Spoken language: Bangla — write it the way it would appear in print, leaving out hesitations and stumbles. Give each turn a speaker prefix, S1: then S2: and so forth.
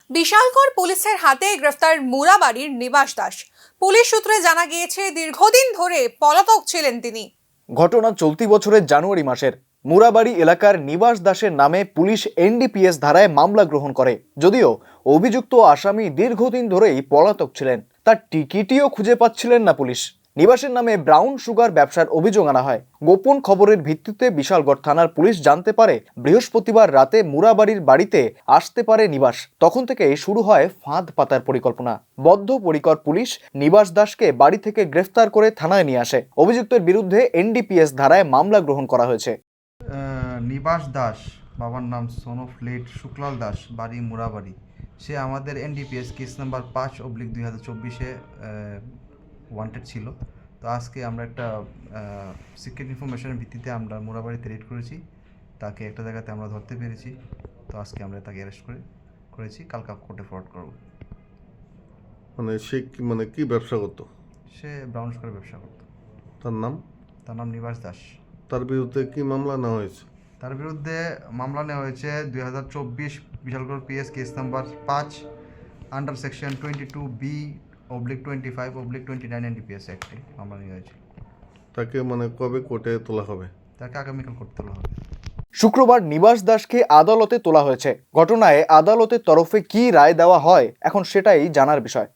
S1: বিশালগড় পুলিশের হাতে গ্রেফতার মুরাবাড়ির নিবাস দাস। পুলিশ সূত্রে জানা গিয়েছে দীর্ঘদিন ধরে পলাতক ছিলেন তিনি।
S2: ঘটনা চলতি বছরের জানুয়ারি মাসের। মুরাবাড়ি এলাকার নিবাস দাসের নামে পুলিশ এনডিপিএস ধারায় মামলা গ্রহণ করে। যদিও অভিযুক্ত আসামি দীর্ঘদিন ধরেই পলাতক ছিলেন, তার টিকিটিও খুঁজে পাচ্ছিলেন না পুলিশ। নিবাসের নামে ব্রাউন সুগার ব্যবসার অভিযোগ আনা হয়। গোপন খবরের ভিত্তিতে বিশালগড় থানার পুলিশ জানতে পারে বৃহস্পতিবার রাতে মুরাবাড়ির বাড়িতে আসতে পারে নিবাস। তখন থেকে শুরু হয় ফাঁদ পাতার পরিকল্পনা। বদ্ধপরিকর পুলিশ নিবাস দাসকে বাড়ি থেকে গ্রেফতার করে থানায় নিয়ে আসে। অভিযুক্তের বিরুদ্ধে এনডিপিএস ধারায় মামলা গ্রহণ করা হয়েছে।
S3: নিবাস দাস, বাবার নাম son of late Shuklal Das, বাড়ি মুরাবাড়ি। সে আমাদের এনডিপিএস কেস নাম্বার 5/2024 ওয়ান্টেড ছিল। তো আজকে আমরা একটা সিক্রেট ইনফরমেশনের ভিত্তিতে আমরা মুরাবাড়িতে রেড করেছি। তাকে একটা জায়গাতে আমরা ধরতে পেরেছি। তো আজকে আমরা তাকে অ্যারেস্ট করেছি, কালকে কোর্টে ফরওয়ার্ড করব।
S4: সে কি ব্যবসা করতো?
S3: সে ব্রাউন সুগার ব্যবসা করতো।
S4: তার নাম
S3: নিবাস দাস।
S4: তার বিরুদ্ধে কি মামলা নেওয়া হয়েছে?
S3: তার বিরুদ্ধে মামলা নেওয়া হয়েছে 2024 Bishalgarh PS case number 5 under section 22B/25/29 NDPS অ্যাক্টে মামলা নেওয়া হয়েছে।
S4: তাকে কবে কোর্টে তোলা হবে?
S3: তাকে আগামীকাল করতে তোলা হবে।
S2: শুক্রবার নিবাস দাসকে আদালতে তোলা হয়েছে। ঘটনায় আদালতের তরফে কি রায় দেওয়া হয় এখন সেটাই জানার বিষয়।